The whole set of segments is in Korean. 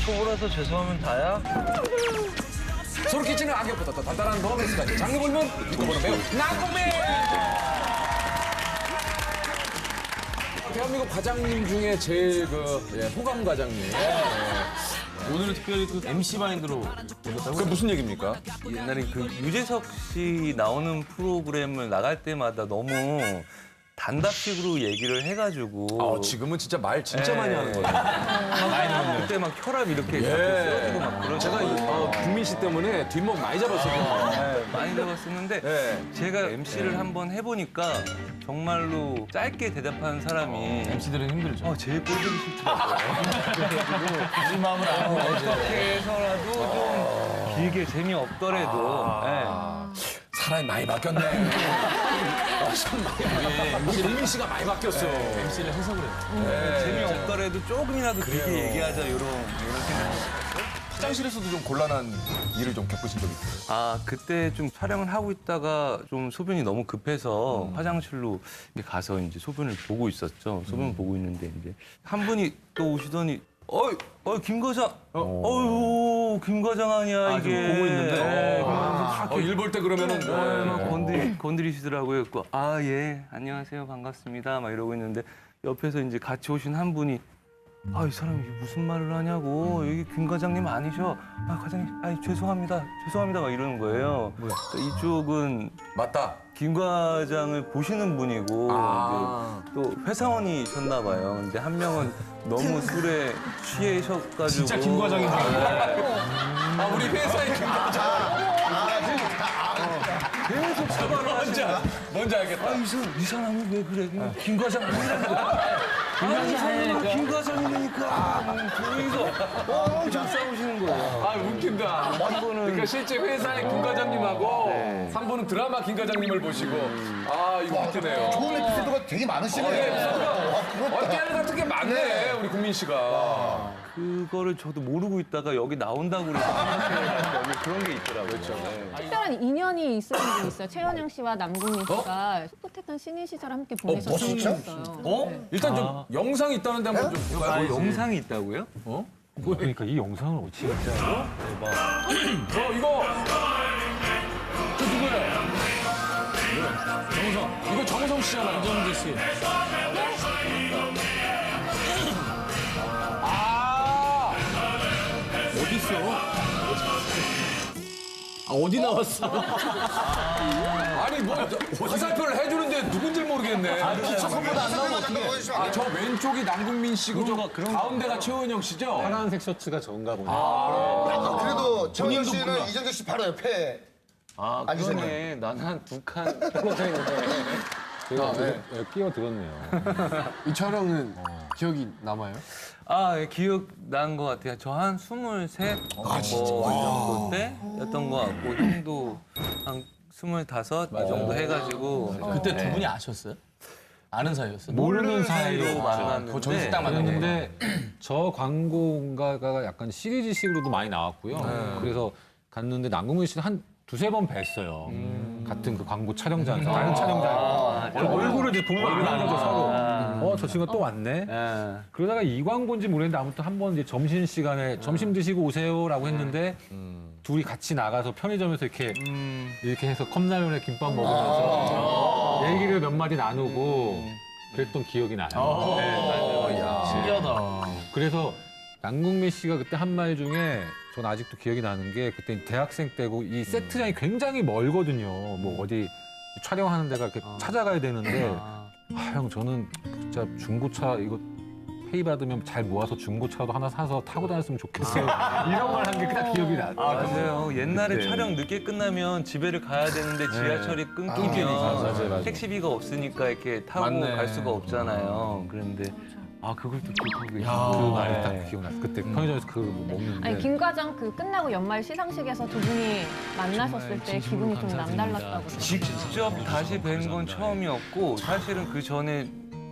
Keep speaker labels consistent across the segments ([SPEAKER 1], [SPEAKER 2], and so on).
[SPEAKER 1] 초보라서 죄송하면 다야?
[SPEAKER 2] 소름 끼치는 악역부터 또 단단한 로맨스까지 장르 불문 믿고 보는 배우 남궁민! 대한민국 과장님 중에 제일 호감 과장님.
[SPEAKER 1] 오늘은 특별히 그 MC 마인드로 오셨다고요?
[SPEAKER 2] 그게 무슨 얘기입니까?
[SPEAKER 1] 옛날에 그 유재석 씨 나오는 프로그램을 나갈 때마다 너무 단답식으로 얘기를 해가지고
[SPEAKER 2] 지금은 진짜 말 진짜 많이 하는 거예요.
[SPEAKER 1] 그때 막 혈압 이렇게 자꾸 쓰러지고 막 그러고
[SPEAKER 2] 제가 국민 씨 때문에 뒷목 많이 잡았어요.
[SPEAKER 1] 많이 잡았었는데 제가 MC를 한번 해보니까 정말로 짧게 대답하는 사람이
[SPEAKER 3] MC들은 힘들죠.
[SPEAKER 1] 제일 꼴보기 싫더라고요. 그래가지고 이 마음을 알고 어떻게 해서라도 좀 길게 재미없더라도
[SPEAKER 2] 사람이 많이 바뀌었네. 참 많이. 우리 국민 씨가 많이 바뀌었어.
[SPEAKER 3] MC를 해석을 해요.
[SPEAKER 1] 재미없더라도 조금이라도 길게 얘기하자 이런 생각.
[SPEAKER 2] 화장실에서도 좀 곤란한 일을 좀 겪으신 적이 있어요.
[SPEAKER 1] 그때 좀 촬영을 하고 있다가 좀 소변이 너무 급해서 화장실로 가서 이제 소변을 보고 있었죠. 소변을 보고 있는데 이제 한 분이 또 오시더니 김 과장, 김 과장 아니야 이게.
[SPEAKER 3] 보고 있는데.
[SPEAKER 2] 일 볼 때 그러면은
[SPEAKER 1] 막 건드리시더라고요. 그래서 예, 안녕하세요, 반갑습니다. 막 이러고 있는데 옆에서 이제 같이 오신 한 분이 이 사람이 무슨 말을 하냐고. 여기 김 과장님 아니셔. 과장님, 죄송합니다. 막 이러는 거예요. 이쪽은
[SPEAKER 2] 맞다.
[SPEAKER 1] 김 과장을 보시는 분이고 이제 또 회사원이셨나 봐요. 근데 한 명은 너무 술에 취해셔가지고
[SPEAKER 3] 진짜 김 과장이네.
[SPEAKER 2] 우리 회사의 김 과장.
[SPEAKER 1] 계속 사과를 하시는
[SPEAKER 2] 뭔지 알겠다.
[SPEAKER 1] 이 사람이 왜 그래? 김 과장 아니라는 거야. 이 사람은 김 과장이니까. 둘이서 엄청 싸우시는 거예요.
[SPEAKER 2] 웃긴다. 그러니까 실제 회사의 김 과장님하고 3분은 드라마 김 과장님을 보시고 이거 웃기네요.
[SPEAKER 4] 좋은 에피소드가 되게 많으시네.
[SPEAKER 2] 깨알 같은 게 많네, 우리 국민 씨가.
[SPEAKER 1] 그거를 저도 모르고 있다가 여기 나온다고 그래서 여기 그런 게 있더라고요. 그렇죠.
[SPEAKER 5] 특별한 인연이 있으신 분이 있어요. 최현영 씨와 남궁민 씨가 소프트한 신인 시절 함께 보내셨던 분이
[SPEAKER 4] 진짜?
[SPEAKER 5] 있어요.
[SPEAKER 2] 일단 좀 영상이 있다는데 한번 좀 볼까요?
[SPEAKER 1] 영상이 있다고요?
[SPEAKER 3] 그러니까 이 영상을 어찌 진짜로?
[SPEAKER 2] 이거 저 누구예요? 정우성. 이거 정우성 씨잖아요.
[SPEAKER 3] 안정기 씨. 어디 있어? 어디 나왔어?
[SPEAKER 2] 아니 화살표를 해주는데 누군지 모르겠네.
[SPEAKER 4] 기초선보다 안 나오면 어떡해.
[SPEAKER 2] 저 왼쪽이 남궁민 씨고 저 가운데가 최원영 씨죠?
[SPEAKER 3] 파란색 셔츠가 저건가 보네.
[SPEAKER 4] 그래도 최원영 씨는 이정재 씨 바로 옆에 앉으셨네.
[SPEAKER 3] 나는 한 두 칸 떨어져 있는데. 제가 끼어들었네요.
[SPEAKER 6] 이 촬영은 기억이 남아요?
[SPEAKER 1] 예, 기억난 것 같아요. 저 한 23? 정도 때였던 것 같고, 형도 한 25? 이 정도 해가지고.
[SPEAKER 6] 그때 두 분이 아셨어요? 아는 사이였어요?
[SPEAKER 1] 모르는 사이로 만났는데.
[SPEAKER 6] 저기서 딱
[SPEAKER 3] 그랬는데 저 광고가 약간 시리즈식으로도 많이 나왔고요. 그래서 갔는데 남궁민 씨는 한 두세 번 뵀어요. 같은 그 광고 촬영장에서. 다른 촬영장에서. 얼굴을 이제 보면 아는 거죠, 서로. 저 친구가 또 왔네? 그러다가 이 광고인지 모르겠는데 아무튼 한 번 이제 점심시간에 점심 드시고 오세요라고 했는데 둘이 같이 나가서 편의점에서 이렇게 해서 컵라면에 김밥 먹으면서 얘기를 몇 마디 나누고 그랬던 기억이 나요. 맞아요.
[SPEAKER 6] 신기하다.
[SPEAKER 3] 그래서 남궁민 씨가 그때 한 말 중에 전 아직도 기억이 나는 게 그때 대학생 때고 이 세트장이 굉장히 멀거든요. 뭐 어디 촬영하는 데가 이렇게 찾아가야 되는데 형 저는 진짜 중고차 이거 페이 받으면 잘 모아서 중고차도 하나 사서 타고 다녔으면 좋겠어요. 이런 말 한 게 딱 기억이 나.
[SPEAKER 1] 맞아요. 옛날에 촬영 늦게 끝나면 집에를 가야 되는데 지하철이 끊기면 택시비가 없으니까 이렇게 타고 갈 수가 없잖아요. 그런데 그걸 또 기억하고 계시고
[SPEAKER 3] 그 말이 딱 기억났어. 그때 편의점에서 그거 먹는데.
[SPEAKER 5] 아니 김 과장 그 끝나고 연말 시상식에서 두 분이 만나셨을 때 기분이 좀 남달랐다고.
[SPEAKER 1] 직접 다시 뵌 건 처음이었고 사실은 그 전에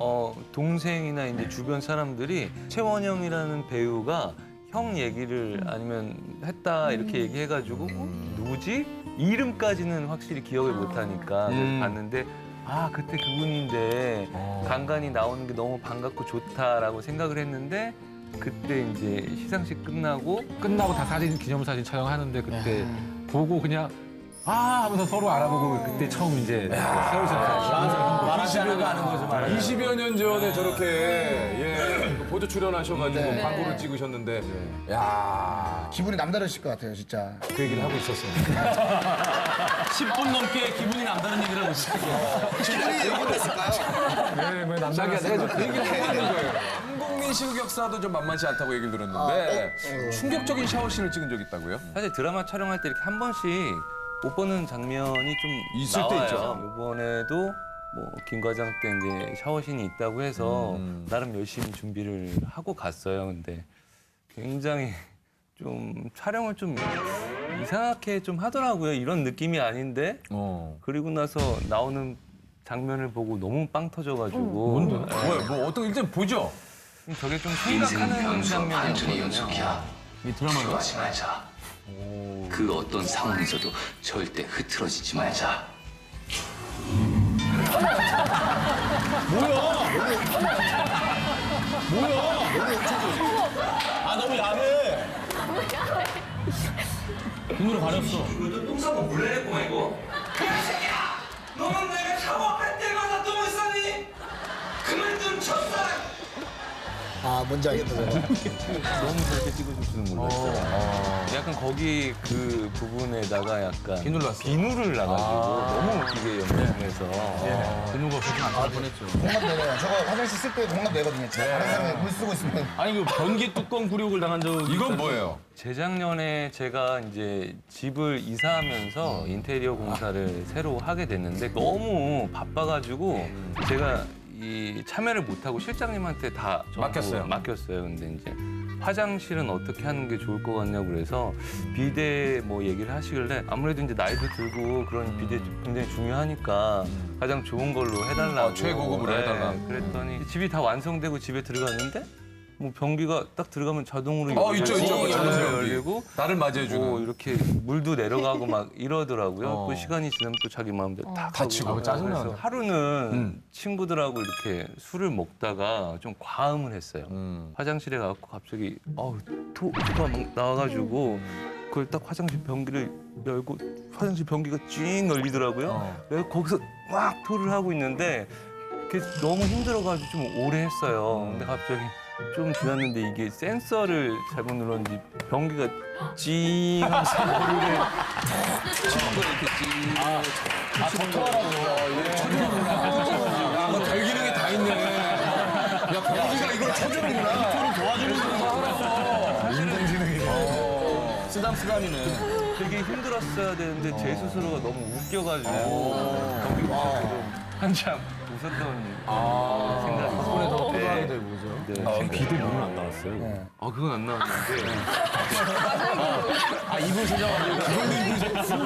[SPEAKER 1] 동생이나 이제 주변 사람들이 최원영이라는 배우가 형 얘기를 아니면 했다 이렇게 얘기해가지고 누구지? 이름까지는 확실히 기억을 못하니까 그래서 봤는데 그때 그분인데 간간히 나오는 게 너무 반갑고 좋다라고 생각을 했는데 그때 이제 시상식 끝나고
[SPEAKER 3] 다 사진 기념사진 촬영하는데 그때 보고 그냥 아 하면서 서로 알아보고 그때 처음 이제
[SPEAKER 6] 말하지 않은 거 아는 거죠.
[SPEAKER 2] 20여 년 전에 저렇게 보조 출연하셔가지고 광고를 찍으셨는데 야
[SPEAKER 4] 기분이 남다르실 것 같아요, 진짜.
[SPEAKER 3] 그 얘기를 하고 있었어요.
[SPEAKER 6] 10분 넘게 기분이 남다른 얘기를 하고 있어요.
[SPEAKER 4] 기분이 어땠을까요?
[SPEAKER 2] 자기가 내가 좀 그 얘기를 해야 거예요. 한국민 시국 역사도 좀 만만치 않다고 얘기를 들었는데 충격적인 샤워씬을 찍은 적이 있다고요?
[SPEAKER 1] 사실 드라마 촬영할 때 이렇게 한 번씩 못 보는 장면이 좀
[SPEAKER 2] 있을 때
[SPEAKER 1] 나와요.
[SPEAKER 2] 있죠.
[SPEAKER 1] 이번에도 뭐 김 과장 때 이제 샤워신이 있다고 해서 나름 열심히 준비를 하고 갔어요. 근데 굉장히 좀 촬영을 좀 이상하게 좀 하더라고요. 이런 느낌이 아닌데 그리고 나서 나오는 장면을 보고 너무 빵 터져가지고 뭔데?
[SPEAKER 2] 뭐 어떤 일단 보죠.
[SPEAKER 1] 저게 좀 생각하는 장면이었거든요.
[SPEAKER 6] 이 드라마로
[SPEAKER 7] 하지 말자. 그 어떤 상황에서도 절대 흐트러지지 말자.
[SPEAKER 6] 아 너무 야해. 눈으로 가렸어.
[SPEAKER 7] 이거 똥 싸고 몰래 했구만 이거. 야 새끼야! 너는 내가 샤워할 때마다 똥을 싸니? 그만 좀 쳤어!
[SPEAKER 4] 아, 뭔지 알겠다.
[SPEAKER 1] 너무 그렇게 찍어줄 줄은 몰랐어요. 약간 거기 그 부분에다가 약간 비누를 놔가지고 너무 웃기게 연출해서
[SPEAKER 6] 비누가 없어서 안 나올 뻔했죠.
[SPEAKER 4] 공감 내요. 저거 화장실 쓸 때 공감 내거든요. 다른 사람이 물 쓰고 있으면.
[SPEAKER 6] 아니 그 변기 뚜껑 굴욕을 당한 적
[SPEAKER 2] 이건 뭐예요?
[SPEAKER 1] 재작년에 제가 이제 집을 이사하면서 인테리어 공사를 새로 하게 됐는데 너무 바빠가지고 제가 이 참여를 못하고 실장님한테 다 전부 맡겼어요. 근데 이제 화장실은 어떻게 하는 게 좋을 것 같냐고 그래서 비데 뭐 얘기를 하시길래 아무래도 이제 나이도 들고 그런 비데 굉장히 중요하니까 가장 좋은 걸로 해달라고.
[SPEAKER 2] 최고급으로 해달라.
[SPEAKER 1] 그랬더니 집이 다 완성되고 집에 들어갔는데 뭐 변기가 딱 들어가면 자동으로
[SPEAKER 2] 있죠.
[SPEAKER 1] 열리고
[SPEAKER 2] 나를
[SPEAKER 1] 뭐
[SPEAKER 2] 맞이해주는.
[SPEAKER 1] 이렇게 물도 내려가고 막 이러더라고요. 그 시간이 지나면 또 자기 마음대로 다
[SPEAKER 2] 다치고.
[SPEAKER 1] 짜증나서 하루는 친구들하고 이렇게 술을 먹다가 좀 과음을 했어요. 화장실에 가서 갑자기 토가 막 나와가지고 그걸 딱 화장실 변기를 열고 화장실 변기가 찡 열리더라고요. 내가 거기서 막 토를 하고 있는데 그게 너무 힘들어가지고 좀 오래 했어요. 근데 갑자기 좀 지났는데 이게 센서를 잘못 눌렀는지 변기가 찡 하면서 머리를 치는 거야 이렇게 찡.
[SPEAKER 2] 야, 너 별 기능이 다 있네. 야, 변기가 이걸 쳐주는구나.
[SPEAKER 6] 토를 도와주는 인공지능이네. 쓰담쓰담이네.
[SPEAKER 1] 되게 힘들었어야 되는데 제 스스로가 너무 웃겨가지고 변기가 한참 웃었던 생각이
[SPEAKER 6] 덕분에 더
[SPEAKER 1] 있어요.
[SPEAKER 6] 토하게 되고 그죠?
[SPEAKER 1] 네.
[SPEAKER 3] 비도 물은 안 나왔어요.
[SPEAKER 1] 그건 안 나왔는데
[SPEAKER 6] 아 이불 세정하려고.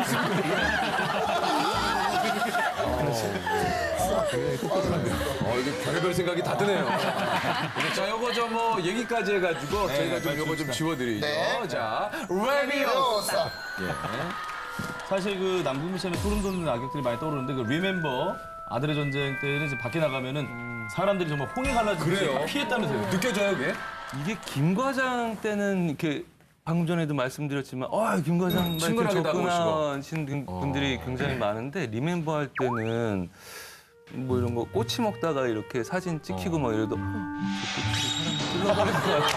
[SPEAKER 2] 이게 별의별 생각이 다 드네요. 자, 요거 저 뭐 얘기까지 해가지고 저희가 좀 요거 좀 지워드리죠. 자, 레비오사.
[SPEAKER 6] 사실 그 남궁미 씨는 소름 돋는 악역들이 많이 떠오르는데 그 리멤버 아들의 전쟁 때는 이제 밖에 나가면은 사람들이 정말 홍해 갈라지고
[SPEAKER 2] 그래요?
[SPEAKER 6] 피했다면서요.
[SPEAKER 2] 느껴져요, 그게?
[SPEAKER 1] 이게 김 과장 때는 이렇게 방금 전에도 말씀드렸지만 김 과장
[SPEAKER 2] 친근하게
[SPEAKER 1] 접근하 하시는 분들이 굉장히 많은데 리멤버 할 때는 뭐 이런 거 꼬치 먹다가 이렇게 사진 찍히고 막 이래도 저 꼬치를 사람이 찔러버릴 것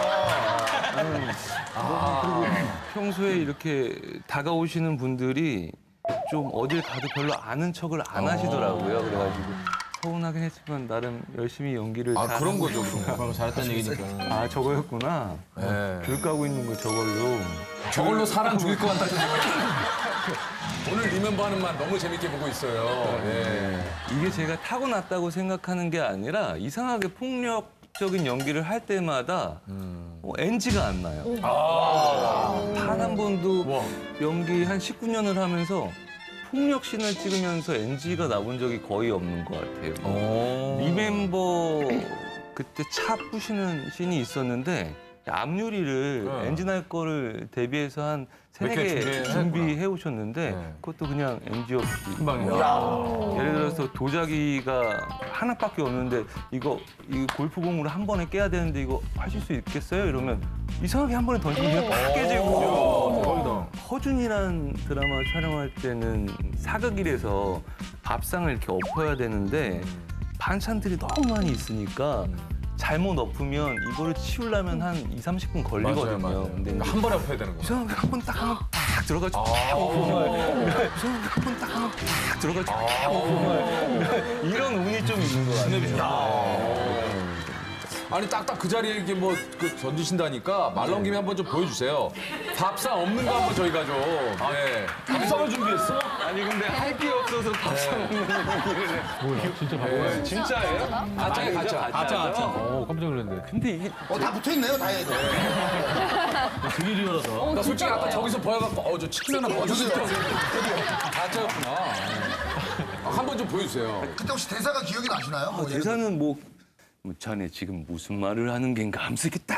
[SPEAKER 1] 같아. 그리고 평소에 이렇게 다가오시는 분들이 좀 어딜 가도 별로 아는 척을 안 하시더라고요. 그래가지고 서운하긴 했지만 나름 열심히 연기를 잘
[SPEAKER 2] 그런
[SPEAKER 1] 하고
[SPEAKER 2] 거죠, 그런 거.
[SPEAKER 6] 그럼 잘했다는 얘기니까.
[SPEAKER 1] 저거였구나.
[SPEAKER 2] 네.
[SPEAKER 1] 귤 까고 있는 거 저걸로.
[SPEAKER 2] 저걸로 사람 죽일 것 같다는 생각이 오늘 리멤버 하는 말 너무 재밌게 보고 있어요. 예.
[SPEAKER 1] 이게 제가 타고났다고 생각하는 게 아니라 이상하게 폭력적인 연기를 할 때마다 NG가 안 나요. 단 한 번도 연기 한 19년을 하면서 폭력씬을 찍으면서 NG가 나온 적이 거의 없는 것 같아요. 리멤버 그때 차 부시는 씬이 있었는데 앞유리를 엔진할 거를 대비해서 한
[SPEAKER 2] 몇 개
[SPEAKER 1] 3개 준비해 오셨는데
[SPEAKER 2] 네.
[SPEAKER 1] 그것도 그냥 NG 없이
[SPEAKER 6] 금방이요.
[SPEAKER 1] 예를 들어서 도자기가 하나밖에 없는데 이 골프공으로 한 번에 깨야 되는데 이거 하실 수 있겠어요? 이러면 이상하게 한 번에 던지면 그냥 팍 깨지고 허준이란 드라마 촬영할 때는 사극일에서 밥상을 이렇게 엎어야 되는데 반찬들이 너무 많이 있으니까 잘못 엎으면 이거를 치우려면 한 2~30분 걸리거든요.
[SPEAKER 2] 맞아요.
[SPEAKER 1] 근데
[SPEAKER 2] 그러니까 한 번에 엎어야 되는 거.
[SPEAKER 1] 이상하게 한 번 딱 하면 팍 들어가지고 팍 엎고 이상하게 한 번 딱 하면 팍 들어가지고 팍 엎고 이런 운이 좀 있는 것 같아요.
[SPEAKER 2] 아니 딱딱 그 자리에 이렇게 뭐 던지신다니까 말 나온 김에 한번 좀 보여주세요. 밥상 없는 거 한번 저희가 좀. 네.
[SPEAKER 6] 밥상을 준비했어?
[SPEAKER 1] 아니 근데 할 게 없어서 밥상 먹는 얘기를 해.
[SPEAKER 3] 뭐야? 진짜 바보야.
[SPEAKER 1] 진짜예요?
[SPEAKER 2] 가짜야 가짜.
[SPEAKER 6] 아짜.
[SPEAKER 3] 깜짝 놀랐네.
[SPEAKER 1] 근데 이게
[SPEAKER 4] 다 붙어있네요, 다행히도.
[SPEAKER 6] 되게 리얼하다.
[SPEAKER 2] 나 솔직히 아까 저기서 보여갖고 저 치킨 하나 먹어주세요. 가짜였구나. 한 번 좀 보여주세요.
[SPEAKER 4] 그때 혹시 대사가 기억이 나시나요? 뭐 예를
[SPEAKER 1] 대사는 뭐 자네 지금 무슨 말을 하는 겐가 함쓰겠다.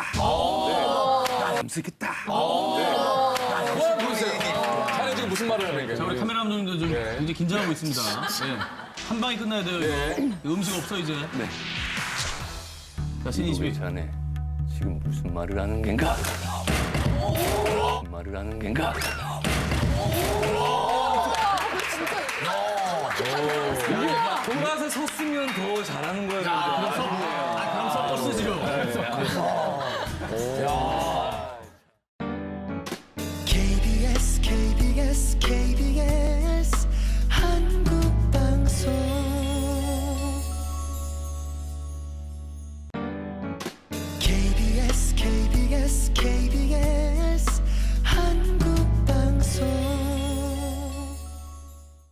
[SPEAKER 1] 함쓰겠다.
[SPEAKER 2] 그만 보여주세요. 자네 지금 무슨 말을 하는
[SPEAKER 6] 자,
[SPEAKER 2] 거예요?
[SPEAKER 6] 우리 카메라 감독님도 좀 굉장히 긴장하고 있습니다. 네. 한 방에 끝나야 돼요, 이거. 음식 없어, 이제.
[SPEAKER 1] 네.
[SPEAKER 6] 자, 신인
[SPEAKER 1] 우리
[SPEAKER 6] 22.
[SPEAKER 1] 자네 지금 무슨 말을 하는 겐가? 무슨 말을 하는 겐가? 돌아서 섰으면 더 잘하는 거예요.
[SPEAKER 6] 그럼 섞어 쓰죠.